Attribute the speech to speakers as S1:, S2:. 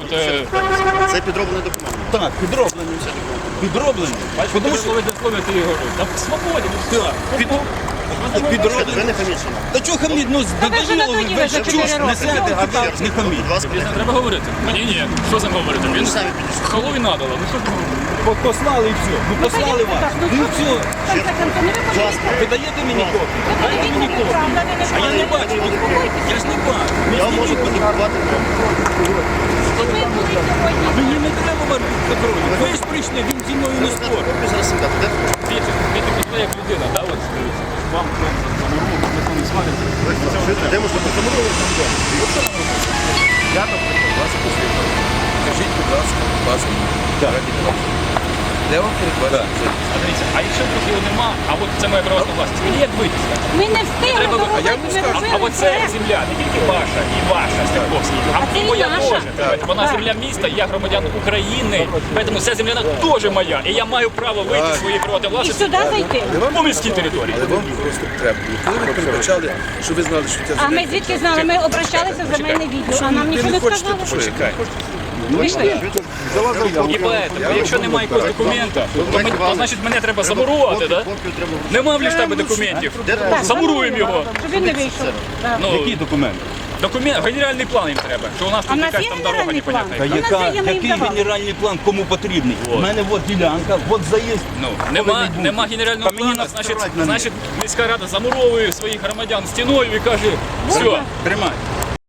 S1: Це підроблений документ.
S2: Так, підроблені. Підроблені.
S3: Тому що ви дословно ти його говориш. Там свободі.
S2: Підроблені.
S1: Ви не хамічені.
S2: Та чого хаміть? Ну,
S4: надоїли
S2: ви
S4: за
S2: ж
S4: 4
S2: чушь
S4: роки.
S2: несете, а так не хаміть.
S1: Будь ласка,
S3: З ним треба говорити. Мені ні. Що з ним говорити? Він
S1: самі підійшли.
S3: халуй надало. Ну що ти говориш?
S2: Послали і все. Ну послали вас. Ну все. Ви даєте мені копію? Дайте мені копію. А я не бачу. Я ж не бачу.
S1: Я можу подивувати.
S2: Мені не треба контролю. Ви ж прийшли, він зі мною не спорить.
S1: Зараз сідати. Де?
S3: Вітя, ви як людина, да? От вам замурував, ніхто не сварить.
S1: Де можна подивитися?
S5: Я, наприклад, вас послухав. Скажіть, будь ласка, паспорт. Де вам передбачено жити?
S3: А дивіться, а якщо вдруг його нема, а от це моя приватна власність, мені як вийти?
S4: Ми не встигли
S3: Треба-
S4: доробити,
S5: а я вам
S4: ми
S5: скажу.
S4: робили
S3: А оце
S4: проект.
S3: земля, не тільки ваша, і ваша, Степковський,
S4: А це
S3: і
S4: і
S3: моя
S4: наша.
S3: теж. Вона земля міста, я громадян України, тому ця земля теж моя. І я маю право вийти з своєї приватної
S4: І
S3: власності
S4: сюди зайти.
S3: по міській території.
S5: Але вам просто треба. Коли ви передбачали, що ви знали, що ця
S4: А
S5: земля...
S4: ми звідки знали? Ми обращалися в земельне відділ, а нам
S5: Ви
S4: нічого
S5: не
S4: не
S5: хочете,
S4: сказали.
S5: то почекай.
S3: І поэтому, якщо немає якогось документа, то значить мене треба замурувати, да?
S1: Копію треба.
S3: Нема в ліштабі документів. Замуруємо його.
S4: Щоб він не вийшов. Так.
S3: Ну,
S2: Який документ?
S3: документ, генеральний план їм треба, що у нас
S4: А
S3: тут
S4: в нас
S3: якась
S4: є
S3: там дорога
S4: генеральний план?
S3: непонятна.
S2: Та
S4: Ну, на це я
S2: який
S4: їм давала.
S2: генеральний план кому потрібний? У мене от ділянка, от заїзд.
S3: Ну, нема генерального плану, значить міська рада замуровує своїх громадян стіною і каже, все,
S2: Тримай.